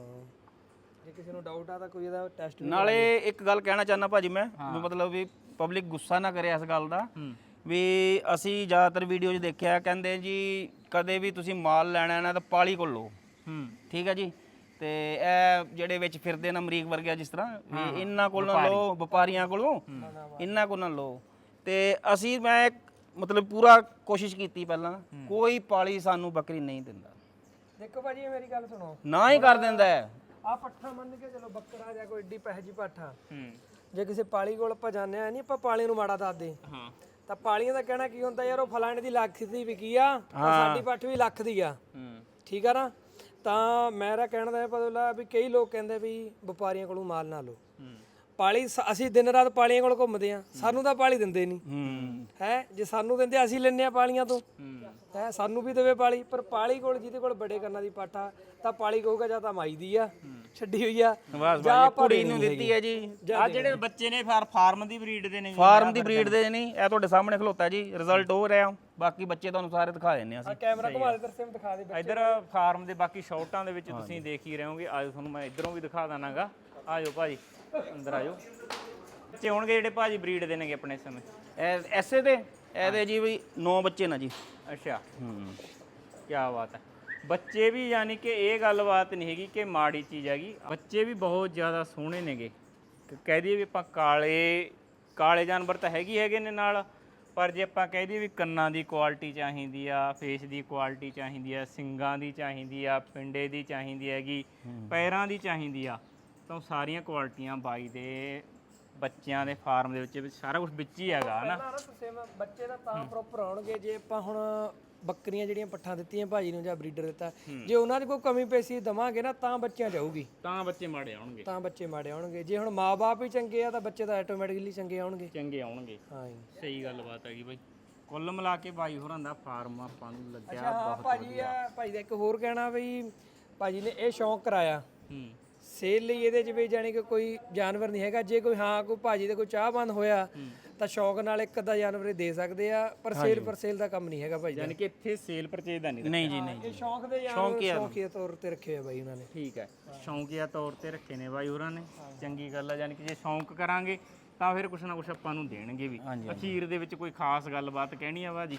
S2: ਜੇ ਕਿਸੇ ਨੂੰ ਡਾਊਟ ਆ ਤਾਂ ਕੋਈ ਇਹਦਾ ਟੈਸਟ।
S1: ਨਾਲੇ ਇੱਕ ਗੱਲ ਕਹਿਣਾ ਚਾਹੁੰਦਾ ਭਾਜੀ ਮੈਂ, ਵੀ ਮਤਲਬ ਵੀ ਪਬਲਿਕ ਗੁੱਸਾ ਨਾ ਕਰੇ ਇਸ ਗੱਲ ਦਾ,
S3: ਹੂੰ
S1: ਵੀ ਅਸੀਂ ਜ਼ਿਆਦਾਤਰ ਵੀਡੀਓ 'ਚ ਦੇਖਿਆ ਕਹਿੰਦੇ ਜੀ ਕਦੇ ਵੀ ਤੁਸੀਂ ਮਾਲ ਲੈਣਾ ਨਾ ਤਾਂ ਪਾਲੀ ਕੋਲ ਲਓ।
S3: ਹੂੰ
S1: ਠੀਕ ਹੈ ਜੀ। ਤੇ ਇਹ ਜਿਹੜੇ ਵਿੱਚ ਫਿਰਦੇ ਨੇ ਅਮਰੀਕ ਵਰਗੇ ਜਿਸ ਤਰ੍ਹਾਂ ਵੀ ਇਹਨਾਂ ਕੋਲ ਨਾ ਲਓ, ਵਪਾਰੀਆਂ ਕੋਲੋਂ ਇਹਨਾਂ ਕੋਲ ਨਾ ਲਓ। ਤੇ ਅਸੀਂ ਮੈਂ ਮਤਲਬ ਪੂਰਾ ਕੋਸ਼ਿਸ਼ ਕੀਤੀ ਪਹਿਲਾਂ, ਕੋਈ ਪਾਲੀ ਸਾਨੂੰ ਬੱਕਰੀ ਨਹੀਂ ਦਿੰਦਾ,
S2: ਦੇਖੋ ਭਾਜੀ ਇਹ ਮੇਰੀ ਗੱਲ ਸੁਣੋ,
S1: ਨਾ ਹੀ ਕਰ ਦਿੰਦਾ ਹੈ।
S2: ਆ ਪੱਠਾ ਮੰਨ ਕੇ ਚਲੋ ਬੱਕਰਾ ਜਾਂ ਕੋਈ ਏਡੀ ਪੈਸੇ ਜੀ ਪੱਠਾ,
S3: ਹੂੰ
S2: ਜੇ ਕਿਸੇ ਪਾਲੀ ਕੋਲ ਆਪਾਂ ਜਾਂਦੇ ਆ ਨਹੀਂ ਆਪਾਂ ਪਾਲੀ ਨੂੰ ਮਾੜਾ ਦੱਸਦੇ,
S3: ਹਾਂ
S2: ਤਾਂ ਪਾਲੀਆਂ ਦਾ ਕਹਿਣਾ ਕੀ ਹੁੰਦਾ ਯਾਰ ਉਹ ਫਲਾਣੇ ਦੀ ਲੱਖ ਦੀ ਵਿਕੀ ਆ ਤਾਂ ਸਾਡੀ ਪੱਠ ਵੀ ਲੱਖ ਦੀ ਆ।
S3: ਹੂੰ
S2: ਠੀਕ ਆ ਨਾ। ਤਾਂ ਮੇਰਾ ਕਹਿਣ ਦਾ ਇਹ ਮਤਲਬ ਵੀ ਕਈ ਲੋਕ ਕਹਿੰਦੇ ਵੀ ਵਪਾਰੀਆਂ ਕੋਲੋਂ ਮਾਲ ਨਾ ਲਓ।
S3: ਹੂੰ
S2: ਪਾਲੀ ਸ- ਅਸੀਂ ਦਿਨ ਰਾਤ ਪਾਲੀਆਂ ਕੋਲ ਘੁੰਮਦੇ ਆ, ਸਾਨੂੰ ਤਾਂ ਪਾਲੀ ਦਿੰਦੇ ਨਹੀਂ
S1: ਹੂੰ
S2: ਹੈ। ਜੇ ਸਾਨੂੰ ਦਿੰਦੇ ਅਸੀਂ ਲੈਨੇ ਆ ਪਾਲੀਆਂ ਤੋਂ,
S3: ਹੂੰ
S2: ਹੈ ਸਾਨੂੰ ਵੀ ਦੇਵੇ ਪਾਲੀ। ਪਰ ਪਾਲੀ ਕੋਲ ਜਿਹਦੇ ਕੋਲ ਬੜੇ ਕੰਨਾਂ ਦੀ ਪਾਠਾ ਤਾਂ ਪਾਲੀ ਕਹੂਗਾ ਜਾਂ ਤਾਂ ਮਾਈ ਦੀ ਆ ਛੱਡੀ ਹੋਈ ਆ,
S1: ਬਸ
S2: ਜਾਂ
S1: ਬਸ ਕੁੜੀ ਨੂੰ ਦਿੱਤੀ ਹੈ ਜੀ।
S3: ਆ ਜਿਹੜੇ ਬੱਚੇ ਨੇ ਫਾਰ ਫਾਰਮ ਦੀ ਬਰੀਡ ਦੇ ਨੇ ਜੀ।
S1: ਫਾਰਮ ਦੀ ਬਰੀਡ ਦੇ ਨਹੀਂ, ਇਹ ਤੁਹਾਡੇ ਸਾਹਮਣੇ ਖਲੋਤਾ ਜੀ, ਰਿਜ਼ਲਟ ਹੋ ਰਿਹਾ। ਬਾਕੀ ਬੱਚੇ ਤੁਹਾਨੂੰ ਸਾਰੇ ਦਿਖਾ ਦਿੰਨੇ ਆ ਅਸੀਂ।
S2: ਕੈਮਰਾ ਘੁਮਾ ਦੇ ਦਰਸੇ ਦਿਖਾ ਦੇ।
S3: ਇੱਧਰ ਫਾਰਮ ਦੇ ਬਾਕੀ ਸ਼ਾਟਾਂ ਦੇ ਵਿੱਚ ਤੁਸੀਂ ਦੇਖ ਹੀ ਰਹੇ ਹੋਗੇ। ਆਜੋ ਤੁਹਾਨੂੰ ਮੈਂ ਇੱਧਰੋਂ ਵੀ ਦਿਖਾ ਦਾਨਾਗਾ। ਆਜੋ ਭਾਜੀ ਅੰਦਰ ਆਜੋ। ਬੱਚੇ ਹੋਣਗੇ ਜਿਹੜੇ ਭਾਜੀ ਬਰੀਡ ਦੇ ਨੇਗੇ ਆਪਣੇ ਸਮੇਂ।
S1: ਇਹ ਐਸੇ ਦੇ ਇਹਦੇ ਜੀ ਵੀ ਨੌ ਬੱਚੇ ਨਾ ਜੀ।
S3: ਅੱਛਾ
S1: ਹੂੰ
S3: ਕੀ ਬਾਤ ਹੈ। ਬੱਚੇ ਵੀ ਯਾਨੀ ਕਿ ਇਹ ਗੱਲਬਾਤ ਨਹੀਂ ਹੈਗੀ ਕਿ ਮਾੜੀ ਚੀਜ਼ ਹੈਗੀ, ਬੱਚੇ ਵੀ ਬਹੁਤ ਜ਼ਿਆਦਾ ਸੋਹਣੇ ਨੇਗੇ। ਕ- ਕਹਿ ਦਈਏ ਵੀ ਆਪਾਂ ਕਾਲੇ ਕਾਲੇ ਜਾਨਵਰ ਤਾਂ ਹੈਗੇ ਹੈਗੇ ਨੇ ਨਾਲ, ਪਰ ਜੇ ਆਪਾਂ ਕਹਿ ਦਈਏ ਵੀ ਕੰਨਾਂ ਦੀ ਕੁਆਲਿਟੀ ਚਾਹੀਦੀ ਆ, ਫੇਸ ਦੀ ਕੁਆਲਿਟੀ ਚਾਹੀਦੀ ਆ, ਸਿੰਗਾਂ ਦੀ ਚਾਹੀਦੀ ਆ, ਪਿੰਡੇ ਦੀ ਚਾਹੀਦੀ ਹੈਗੀ, ਪੈਰਾਂ ਦੀ ਚਾਹੀਦੀ ਆ, ਤਾਂ ਉਹ ਸਾਰੀਆਂ ਕੁਆਲਿਟੀਆਂ ਬਾਈ ਦੇ ਬੱਚਿਆਂ ਦੇ ਫਾਰਮ ਦੇ ਵਿੱਚ ਸਾਰਾ ਕੁਝ ਵਿੱਚ ਹੀ ਹੈਗਾ ਹਨਾ।
S2: ਨਾ ਤੁਸੀਂ ਬੱਚੇ ਦਾ ਤਾਂ ਪ੍ਰੋਪਰ ਆਉਣਗੇ ਜੇ ਆਪਾਂ ਹੁਣ ਬੱਕਰੀਆਂ ਜਿਹੜੀਆਂ ਪੱਠਾਂ ਦਿੱਤੀਆਂ ਭਾਜੀ ਨੂੰ ਜਾਂ ਬਰੀਡਰ ਦਿੱਤਾ, ਜੇ ਉਹਨਾਂ 'ਚ ਕੋਈ ਕਮੀ ਪੇਸ਼ੀ ਦਵਾਂਗੇ ਨਾ ਤਾਂ ਬੱਚਿਆਂ ਜਾਊਗੀ,
S3: ਤਾਂ ਬੱਚੇ ਮਾੜੇ ਆਉਣਗੇ।
S2: ਤਾਂ ਬੱਚੇ ਮਾੜੇ ਆਉਣਗੇ। ਜੇ ਹੁਣ ਮਾਪੇ ਹੀ ਚੰਗੇ ਆ ਤਾਂ ਬੱਚੇ ਤਾਂ ਆਟੋਮੈਟਿਕਲੀ ਚੰਗੇ ਆਉਣਗੇ।
S3: ਚੰਗੇ ਆਉਣਗੇ।
S2: ਹਾਂ ਜੀ।
S3: ਸਹੀ ਗੱਲਬਾਤ ਹੈਗੀ ਬਾਈ। ਕੁੱਲ ਮਿਲਾ ਕੇ ਬਾਈ ਹੋਰਾਂ ਦਾ ਫਾਰਮ ਆਪਾਂ ਨੂੰ ਲੱਗਿਆ
S2: ਹਾਂ
S3: ਬਹੁਤ
S2: ਭਾਜੀ ਆ ਭਾਜੀ ਦਾ ਇੱਕ ਹੋਰ ਕਹਿਣਾ ਵੀ ਭਾਜੀ ਨੇ ਇਹ ਸ਼ੌਂਕ ਕਰਾਇਆ
S3: ਹੂੰ
S2: ਸੇਲ ਲਈ, ਇਹਦੇ 'ਚ ਵੀ ਜਾਣੀ ਕਿ ਕੋਈ ਜਾਨਵਰ ਨਹੀਂ ਹੈਗਾ। ਜੇ ਕੋਈ ਹਾਂ ਕੋਈ ਭਾਜੀ ਦੇ ਕੋਈ ਚਾਹਬੰਦ ਹੋਇਆ ਤਾਂ ਸ਼ੌਂਕ ਨਾਲ ਇੱਕ ਅੱਧਾ ਜਾਨਵਰ ਇਹ ਦੇ ਸਕਦੇ ਆ, ਪਰ ਸੇਲ ਪਰ ਸੇਲ ਦਾ ਕੰਮ ਨਹੀਂ ਹੈਗਾ ਭਾਜੀ ਦਾ।
S3: ਯਾਨੀ ਕਿ ਇੱਥੇ ਸੇਲ ਪਰਚੇਜ ਦਾ ਨਹੀਂ।
S1: ਨਹੀਂ ਜੀ ਨਹੀਂ
S2: ਇਹ ਸ਼ੌਂਕ ਦੇ ਜਾਨਵਰ ਸ਼ੌਂਕੀਆ ਤੌਰ ਤੇ ਰੱਖੇ ਆ ਬਾਈ ਉਹਨਾਂ ਨੇ।
S3: ਠੀਕ ਹੈ, ਸ਼ੌਂਕੀਆ ਤੌਰ ਤੇ ਰੱਖੇ ਨੇ ਬਾਈ ਹੋਰਾਂ ਨੇ। ਚੰਗੀ ਗੱਲ ਆ, ਯਾਨੀ ਕਿ ਜੇ ਸ਼ੌਂਕ ਕਰਾਂਗੇ ਤਾਂ ਫਿਰ ਕੁਛ ਨਾ ਕੁਛ ਆਪਾਂ ਨੂੰ ਦੇਣਗੇ ਵੀ। ਅਖੀਰ ਦੇ ਵਿੱਚ ਕੋਈ ਖਾਸ ਗੱਲਬਾਤ ਕਹਿਣੀ ਆ ਬਾਜੀ?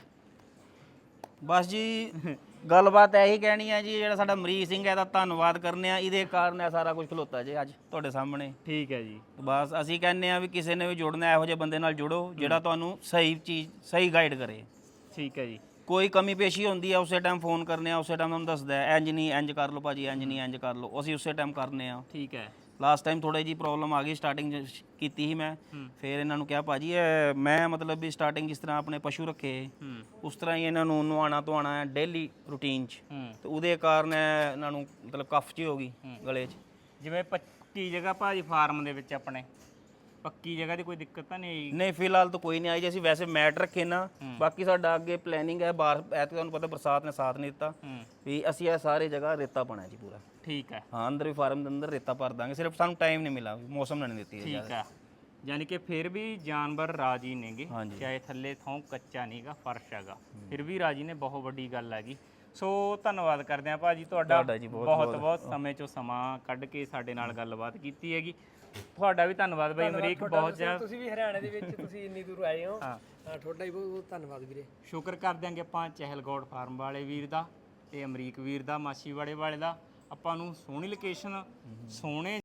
S1: ਬਸ ਜੀ ਗੱਲਬਾਤ ਇਹੀ ਕਹਿਣੀ ਹੈ ਜੀ, ਜਿਹੜਾ ਸਾਡਾ ਮਰੀਜ਼ ਸਿੰਘ ਹੈ ਇਹਦਾ ਧੰਨਵਾਦ ਕਰਨੇ ਆ, ਇਹਦੇ ਕਾਰਨ ਇਹ ਸਾਰਾ ਕੁਝ ਖਲੋਤਾ ਜੀ ਅੱਜ ਤੁਹਾਡੇ ਸਾਹਮਣੇ।
S3: ਠੀਕ ਹੈ ਜੀ।
S1: ਬਸ ਅਸੀਂ ਕਹਿੰਦੇ ਆ ਵੀ ਕਿਸੇ ਨੇ ਵੀ ਜੁੜਨਾ ਇਹੋ ਜਿਹੇ ਬੰਦੇ ਨਾਲ ਜੁੜੋ ਜਿਹੜਾ ਤੁਹਾਨੂੰ ਸਹੀ ਚੀਜ਼ ਸਹੀ ਗਾਈਡ ਕਰੇ।
S3: ਠੀਕ ਹੈ ਜੀ।
S1: ਕੋਈ ਕਮੀ ਪੇਸ਼ੀ ਹੁੰਦੀ ਆ ਉਸੇ ਟਾਈਮ ਫੋਨ ਕਰਨੇ ਆ, ਉਸੇ ਟਾਈਮ ਤੁਹਾਨੂੰ ਦੱਸਦਾ ਹੈ, ਇੰਜ ਨਹੀਂ ਇੰਜ ਕਰ ਲਓ ਭਾਜੀ, ਇੰਜ ਨਹੀਂ ਇੰਜ ਕਰ ਲਓ, ਅਸੀਂ ਉਸੇ ਟਾਈਮ ਕਰਨੇ ਆ।
S3: ਠੀਕ ਹੈ।
S1: ਲਾਸਟ ਟਾਈਮ ਥੋੜੀ ਜੀ ਪ੍ਰੋਬਲਮ ਆ ਗਈ, ਸਟਾਰਟਿੰਗ ਕੀਤੀ ਸੀ ਮੈਂ, ਫਿਰ ਇਹਨਾਂ ਨੂੰ ਕਿਹਾ ਭਾਜੀ ਇਹ ਮੈਂ ਮਤਲਬ ਵੀ ਸਟਾਰਟਿੰਗ ਜਿਸ ਤਰ੍ਹਾਂ ਆਪਣੇ ਪਸ਼ੂ ਰੱਖੇ ਉਸ ਤਰ੍ਹਾਂ ਹੀ ਇਹਨਾਂ ਨੂੰ ਨਵਾਉਣਾ ਧਵਾਉਣਾ ਹੈ ਡੇਲੀ ਰੂਟੀਨ 'ਚ, ਤੇ ਉਹਦੇ ਕਾਰਨ ਇਹਨਾਂ ਨੂੰ ਮਤਲਬ ਕਫ ਜਿਹੀ ਹੋ ਗਈ ਗਲੇ 'ਚ।
S3: ਜਿਵੇਂ ਪੱਕੀ ਜਗ੍ਹਾ ਭਾਜੀ ਫਾਰਮ ਦੇ ਵਿੱਚ ਆਪਣੇ ਪੱਕੀ ਜਗ੍ਹਾ ਦੀ ਕੋਈ ਦਿੱਕਤ ਤਾਂ ਨਹੀਂ ਆਈ?
S1: ਨਹੀਂ ਫਿਲਹਾਲ ਤਾਂ ਕੋਈ ਨਹੀਂ ਆਈ ਜੀ। ਅਸੀਂ ਵੈਸੇ ਮੈਟ ਰੱਖੇ ਨਾ, ਬਾਕੀ ਸਾਡਾ ਅੱਗੇ ਪਲੈਨਿੰਗ ਹੈ ਬਾਹਰ, ਐਤ ਤੁਹਾਨੂੰ ਪਤਾ ਬਰਸਾਤ ਨੇ ਸਾਥ ਨਹੀਂ ਦਿੱਤਾ ਵੀ ਅਸੀਂ ਇਹ ਸਾਰੇ ਜਗ੍ਹਾ ਰੇਤਾ ਪਾਣਾ ਜੀ ਪੂਰਾ।
S3: ਠੀਕ ਹੈ।
S1: ਹਾਂ ਅੰਦਰ ਵੀ ਫਾਰਮ ਦੇ ਅੰਦਰ ਰੇਤਾ ਭਰ ਦਾਂਗੇ, ਸਿਰਫ ਸਾਨੂੰ ਟਾਈਮ ਨਹੀਂ ਮਿਲਾ, ਮੌਸਮ ਨੇ ਨਹੀਂ ਦਿੱਤੀ।
S3: ਠੀਕ ਹੈ, ਯਾਨੀ ਕਿ ਫਿਰ ਵੀ ਜਾਨਵਰ ਰਾਜੀ ਨੇਗੇ, ਚਾਹੇ ਥੱਲੇ ਥੋਂ ਕੱਚਾ ਨਹੀਂਗਾ, ਫਰਸ਼ ਹੈਗਾ, ਫਿਰ ਵੀ ਰਾਜੀ ਨੇ। ਬਹੁਤ ਵੱਡੀ ਗੱਲ ਹੈਗੀ। ਸੋ ਧੰਨਵਾਦ ਕਰਦੇ ਹਾਂ ਭਾਜੀ ਤੁਹਾਡਾ, ਬਹੁਤ ਬਹੁਤ ਸਮੇਂ ਚੋਂ ਸਮਾਂ ਕੱਢ ਕੇ ਸਾਡੇ ਨਾਲ ਗੱਲਬਾਤ ਕੀਤੀ ਹੈਗੀ। ਤੁਹਾਡਾ ਵੀ ਧੰਨਵਾਦ ਬਾਈ ਅਮਰੀਕ, ਬਹੁਤ ਜ਼ਿਆਦਾ
S2: ਤੁਸੀਂ ਵੀ ਹਰਿਆਣੇ ਦੇ ਵਿੱਚ ਤੁਸੀਂ ਇੰਨੀ ਦੂਰ ਆਏ ਹੋ। ਹਾਂ ਤੁਹਾਡਾ ਵੀ ਬਹੁਤ ਬਹੁਤ ਧੰਨਵਾਦ ਵੀਰੇ।
S3: ਸ਼ੁਕਰ ਕਰ ਦਿਆਂਗੇ ਆਪਾਂ ਚਹਿਲਗੌੜ ਫਾਰਮ ਵਾਲੇ ਵੀਰ ਦਾ ਤੇ ਅਮਰੀਕ ਵੀਰ ਦਾ, ਮਾਛੀਵਾੜੇ ਵਾਲੇ ਦਾ। ਆਪਾਂ ਨੂੰ ਸੋਹਣੀ ਲੋਕੇਸ਼ਨ, ਸੋਹਣੇ